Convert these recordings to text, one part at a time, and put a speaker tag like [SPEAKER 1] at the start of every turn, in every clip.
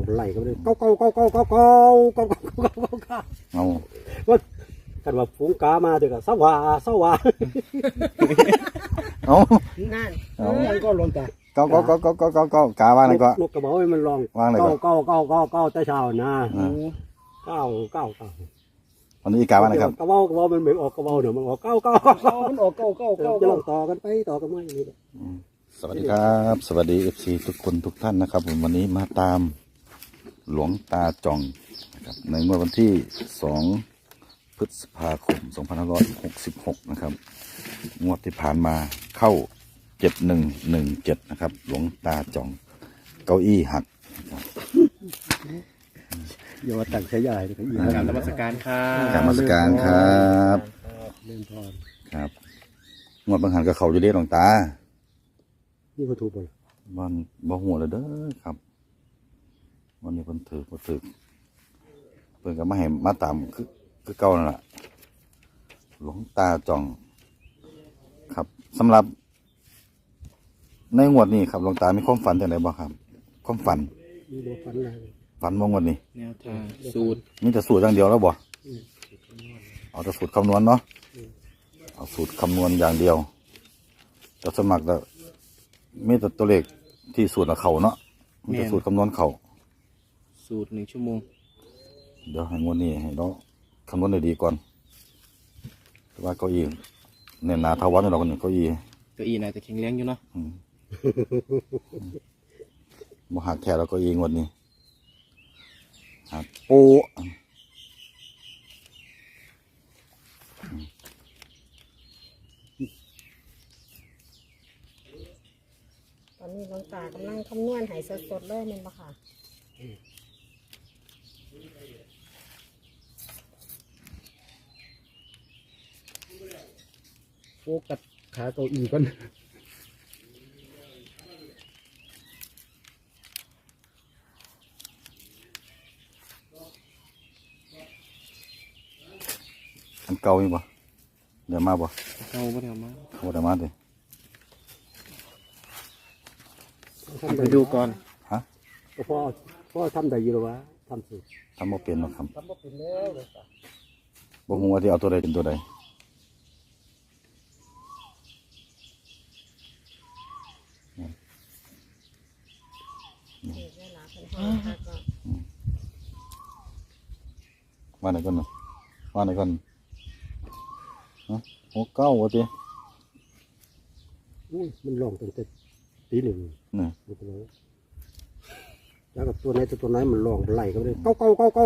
[SPEAKER 1] ไหลก็เลยเก้า
[SPEAKER 2] เอา
[SPEAKER 1] ว่ากันว่าฝูงกามาเถอะก็สว่า
[SPEAKER 2] เอา
[SPEAKER 3] นั่น
[SPEAKER 2] เอา
[SPEAKER 1] มันก็ลงแต่
[SPEAKER 2] เก้ากาว่านั่นก็
[SPEAKER 1] นกกระเบาให้มันลอง
[SPEAKER 2] วางเลยก่อน
[SPEAKER 1] เก้าแต่เช้านะเก้า
[SPEAKER 2] วันนี้กาว่านะครับ
[SPEAKER 1] กระเบามันไม่ออกกระเบาเดี๋ยวมันออกเก้ามันออกเก้าจะลองต่อกันไปต่อกันมาอย่างนี้
[SPEAKER 2] สวัสดีครับ สวัสดี FC ทุกคนทุกท่านนะครับผมวันนี้มาตามหลวงตาจ่องนะครับในเมื่อวันที่2 พฤษภาคม 2566 นะครับงวดที่ผ่านมาเข้า 7117 นะครับหลวงตาจ่องเก้าอี้หักนะครับ
[SPEAKER 1] อย่ามาตั้งใช้ใหญ่เลยครับ
[SPEAKER 4] กราบนมัสการครับ
[SPEAKER 2] กรรมสการครับ
[SPEAKER 1] เล่นพร
[SPEAKER 2] ครับงวดบางหันกับเขาอยู่เด้หลวงตา
[SPEAKER 1] นี่ก็ถูกไป
[SPEAKER 2] วันบ่หัวเลยเด้อครับวันนี้เพิ่นถือบ่ถือเพิ่นก็มาให้มาตามคือเก่านั่นแหละหลวงตาจ่อง ครับสำหรับในงวดนี้ครับหลวงตามีความฝันจังไดบ่ครับความฝัน
[SPEAKER 1] มีโลฟันอะไร
[SPEAKER 2] ฝันว่างวดนี้
[SPEAKER 4] แนวทางสูตร
[SPEAKER 2] มีแต่สูตรอย่างเดียวแล้วบ่เอาแต่สูตรคำนวณเนาะเอาสูตรคำนวณอย่างเดียวแต่สวนมัครแล้วมีแต่ตัวเลขที่สูตรเขาเนาะมีแต่สูตรคำนวณเขา
[SPEAKER 4] สูตร1 ชั่วโมง
[SPEAKER 2] เดี๋ยวให้งวดนี้ให้เราคำนวณได้ดีก่อนแต่ว่าเก้าอี้เนี่ยหนาเท่าวัดนี่เราคนนี้เก้าอี้
[SPEAKER 4] เก้าอี้น่าจะแข็งแรงอยู่เนาะ
[SPEAKER 2] บ่หักแท้แล้วเก้าอี้งวดนี้หักโป๊ะ
[SPEAKER 3] ตอนนี้หลวงตากำลังคำนวณใหายสดๆเลยแมันบ่ค่ะ
[SPEAKER 1] โฟกัสขาเก้าอี้ก่อน
[SPEAKER 2] อันเก่ามีบ่เดี๋ยวมาบ่
[SPEAKER 4] เอาบ่ได้เอามา
[SPEAKER 2] เขาบ่ได้มาเลย
[SPEAKER 4] ไปดูก่อน
[SPEAKER 2] ฮะ
[SPEAKER 1] พ่อทำได้อยู่หรอวะทำสิ
[SPEAKER 2] ทำบ่เป็นหรอกครับ
[SPEAKER 1] ทำบ่เป็นแล้วเลย
[SPEAKER 2] บ่ฮู้ว่าที่เอาตัวใดเป็นตัวใด
[SPEAKER 3] นี่เวลาเป็นห้องพักก็
[SPEAKER 2] ว่าไหนก่อนเนาะว่าไหนก่อนฮะ69ว่าติ
[SPEAKER 1] อุ้ยมันลองตั้งแต่ตีหนึ่ง
[SPEAKER 2] นี่
[SPEAKER 1] แล้วกับตัวไหนมันลองไหลก็เลยเก้า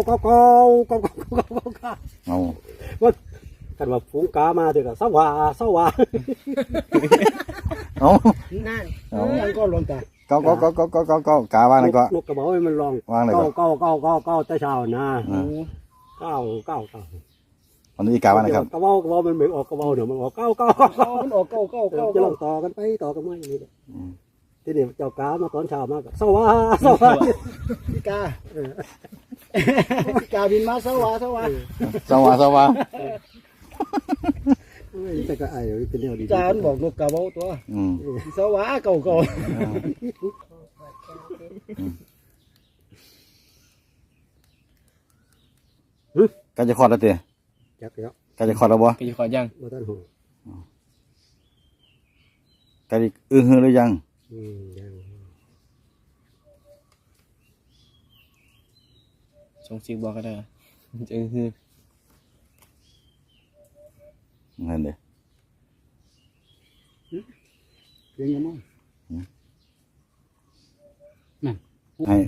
[SPEAKER 2] เอา
[SPEAKER 1] ว่ากันว่าฝูงกามาเถอะก็สว่า
[SPEAKER 2] เอา
[SPEAKER 3] นั่น
[SPEAKER 2] เอา
[SPEAKER 1] มันก็ลงแต่
[SPEAKER 2] เก้ากาว่านั่นก็
[SPEAKER 1] นกกระเบาให้มันลอง
[SPEAKER 2] วางเลยก่อน
[SPEAKER 1] เก้าแต่เช้านะเก้า
[SPEAKER 2] วันนี้กาว่านะครับ
[SPEAKER 1] กระเบามันไม่ออกกระเบาเดี๋ยวมันออกเก้ามันออกเก้าจะลองต่อกันไปต่อกันมาอย่างนี้ทีนี้เจ้ากามาตอนเช้ามาก็สว่าพี่กาบินมาสว่า
[SPEAKER 2] สว่า
[SPEAKER 1] แต่ก็ไอ้เป็นแนวดี
[SPEAKER 5] จานบอกนกกระเบาตัว สวะเก่า
[SPEAKER 2] ใกล้จะคลอดแล้วติ
[SPEAKER 1] จักแล้ว
[SPEAKER 2] ใกล้จะคลอดแล้วบ่
[SPEAKER 4] ก็จะขอยัง
[SPEAKER 1] มาท่านหู
[SPEAKER 2] ใกล้จะฮือหรือยัง
[SPEAKER 1] ยัง
[SPEAKER 4] ส่งเสียงบอกก็ได้จะคือ
[SPEAKER 2] นั่นเด้
[SPEAKER 1] เลี้ยงยังมั้ง
[SPEAKER 2] ให้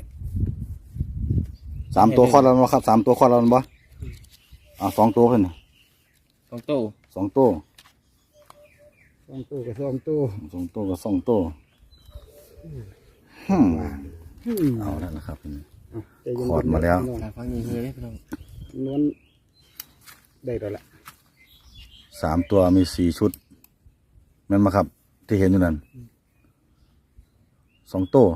[SPEAKER 2] 3 ตัวคลอดแล้วบ่ครับ3 ตัวคลอดแล้วบ่2 ตัวเพิ่นน่ะ
[SPEAKER 4] 2 โต้
[SPEAKER 2] 2 ตัว
[SPEAKER 1] 2 ตัวกับ2 ตัว
[SPEAKER 2] 2 ตัวกับ2 ตัวเอาแล้วนะครับคลอดมาแล้ว
[SPEAKER 4] ทางฟังยิงคือเลยพี่น้อง
[SPEAKER 1] นวลได้แล้วล่ะ
[SPEAKER 2] 3 ตัวมี4 ชุดแม่นบ่ครับ ที่เห็นอยู่นั่น2 ตัว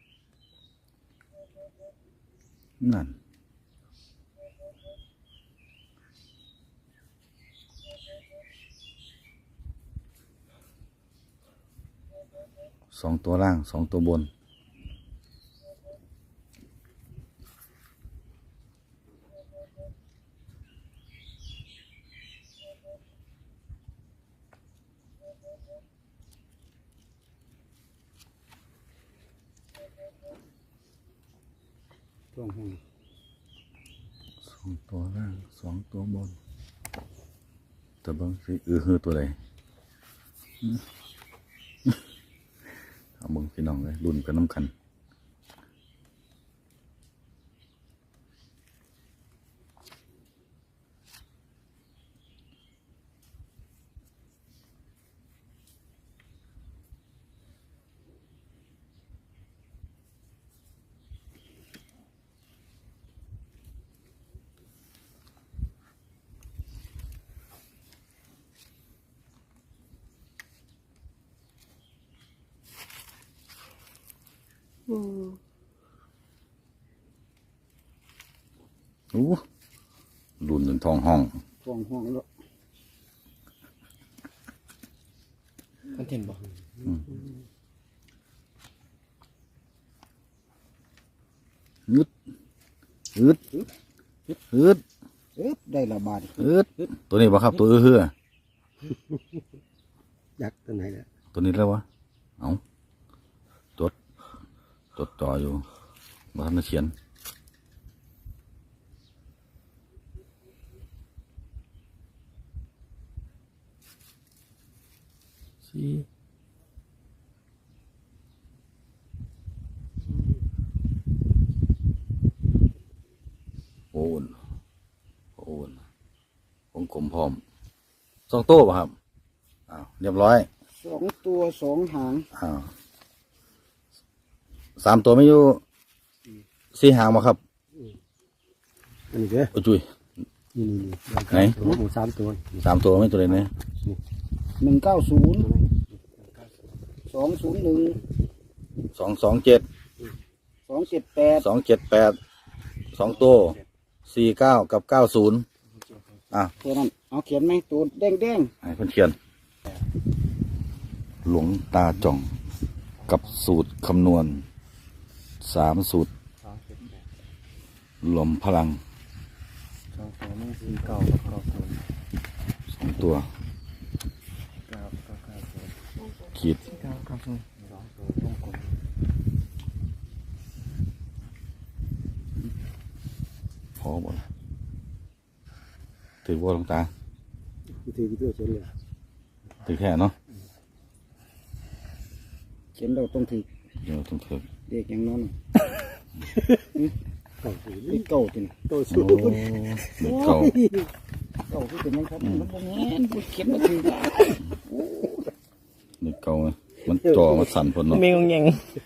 [SPEAKER 2] นั่น2 ตัวล่าง2 ตัวบน
[SPEAKER 1] ช่วงห้อง
[SPEAKER 2] 2 ตัวล่าง2 ตัวบนแต่บางสิฮือตัวใดเอาเบิ่งพี่น้องเลยรุ่นกันน้ำกันรุ่นหนึ่งทองห้อง
[SPEAKER 1] ช่วงห้องแล้ว
[SPEAKER 4] คอนเทนต์บ่
[SPEAKER 2] ยึดยึดยึด
[SPEAKER 1] ได้ละบาท
[SPEAKER 2] ยึดตัวนี้บ่ครับตัวเฮือ
[SPEAKER 1] ยักษ์ตัวไหนเนี่ย
[SPEAKER 2] ตัวนี้แล้ววะเอาจดจ่ออยู่มาทำมาเขียนสี่โอ้นวงกลมพร้อม2 ตัวป่ะครับอ้าวเรียบร้อย
[SPEAKER 1] 2 ตัว 2 หาง
[SPEAKER 2] อ้าว3 ตัวไม่อยู่4 หางมาครับ
[SPEAKER 1] อันนี้เด้อ
[SPEAKER 2] โอ้จุย
[SPEAKER 1] นี่
[SPEAKER 2] ไหน
[SPEAKER 1] หมู3 ตัว
[SPEAKER 2] 3 ตัวไม่ตัวเลยเนี่ย
[SPEAKER 5] 190 201
[SPEAKER 2] 227
[SPEAKER 5] 278
[SPEAKER 2] 278 2 ตัว49กับ90อ่ะ
[SPEAKER 5] ตัวนั้นเอาเขียนไหมตัวแดง
[SPEAKER 2] ให้เพื่อนเขียน หลวงตาจ่องกับสูตรคำนวณ3 สูตรรวมพลัง
[SPEAKER 4] 2 ตัวมัน4 9กับ9
[SPEAKER 2] 2 ตัว
[SPEAKER 4] 9
[SPEAKER 2] ขีด
[SPEAKER 4] 9 9 0
[SPEAKER 2] พอหมดถือว่าหลวงตา
[SPEAKER 1] วิธีตัวเฉลี่ย
[SPEAKER 2] ถือแค่เนาะ
[SPEAKER 5] ๆเขียนเราต้องถือ
[SPEAKER 2] เดี๋ยวต้องถือ
[SPEAKER 5] เด็กอย่างนั้น
[SPEAKER 1] เก่าสูง
[SPEAKER 5] นี่เก่าจริง
[SPEAKER 1] เก่า
[SPEAKER 2] โอ้
[SPEAKER 1] สูง
[SPEAKER 2] เด็กเก่า
[SPEAKER 5] เก่าที่เป็นยังครับมันบ่แม่นเขียนมาถือ
[SPEAKER 2] เด็กเก่าไงมันจ่อมันสั่นพนเนาะ
[SPEAKER 4] มีงงแงง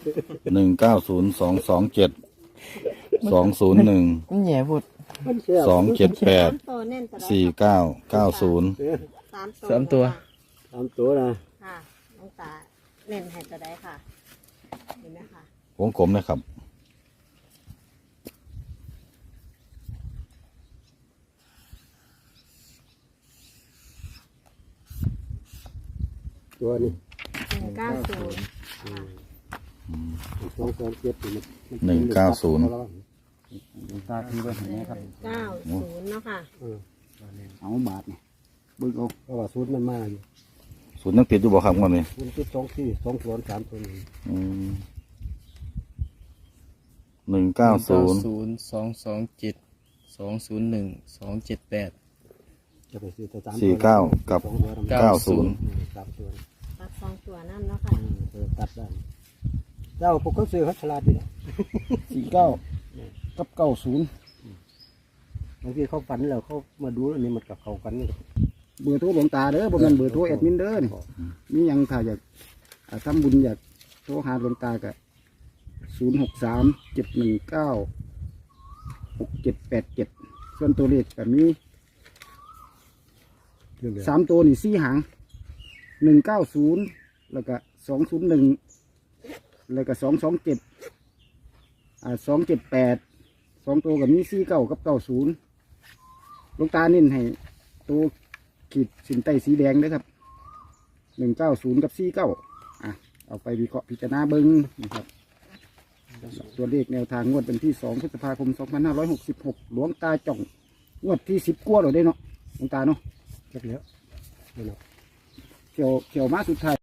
[SPEAKER 2] 190227 201
[SPEAKER 4] มันแย่พูด
[SPEAKER 2] 278
[SPEAKER 3] ตัวเน่นตัวใด
[SPEAKER 2] 4990
[SPEAKER 4] 3 ตัว
[SPEAKER 1] 3 ตัวนะ
[SPEAKER 3] ค่ะน้องตาเน่นให้ตัวใดค่ะเห็นไหมคะ
[SPEAKER 2] วงกลมนะครับ
[SPEAKER 1] ตัวนี้
[SPEAKER 3] 190
[SPEAKER 1] 227
[SPEAKER 5] ตาถือไว้ให้แม่ครับ
[SPEAKER 3] 90เนาะค่ะ
[SPEAKER 5] เอาบาทนี่เบิ่งเอา
[SPEAKER 1] เพราะว่าสูตรมันมาอยู่
[SPEAKER 2] สูตรนักติดอยู่บ่ครับวันนี้
[SPEAKER 1] สูตรที่2 ตัว 3 ตัวนี้
[SPEAKER 2] 190
[SPEAKER 4] 227 201 278
[SPEAKER 1] จะไปซื้อตัว3
[SPEAKER 2] 49 กับ 90
[SPEAKER 1] 3 ตัว
[SPEAKER 3] ตัด2 ตัวนั่นเนาะค่ะ
[SPEAKER 1] ตัดได้เจ้าพวกเขาซื้อเขาฉลาดดีนะ
[SPEAKER 5] 49กับ90
[SPEAKER 1] บางทีเขาฝันแล้วเขามาดูอันนี้มันกับเขากันนี่
[SPEAKER 5] เบอร์โทรหลวงตาเด้อบ่แม่นเบอร์โทรแอดมินเด้อนี่มีหยังถ้าอยากทำบุญอยากโทรหาหลวงตาก็063-719-6787ส่วนตัวเลขก็มี3 ตัวนี่4 หาง 190แล้วก็201แล้วก็227 278 2 ตัวกับมี49กับ90หลวงตาเน้นให้ตัวขีดสินใต้สีแดงด้วยครับ190กับ49เอาไปวิเคราะห์พิจารณาเบิ้งนะครับตัวเลขแนวทางงวดเป็นที่2 พฤษภาคม 2566หลวงตาจ่องงวดที่10กว่าเราได้เนาะหลวงตาเนาะ
[SPEAKER 1] เจ็บแล้ว
[SPEAKER 5] เขียวมาสุดท้าย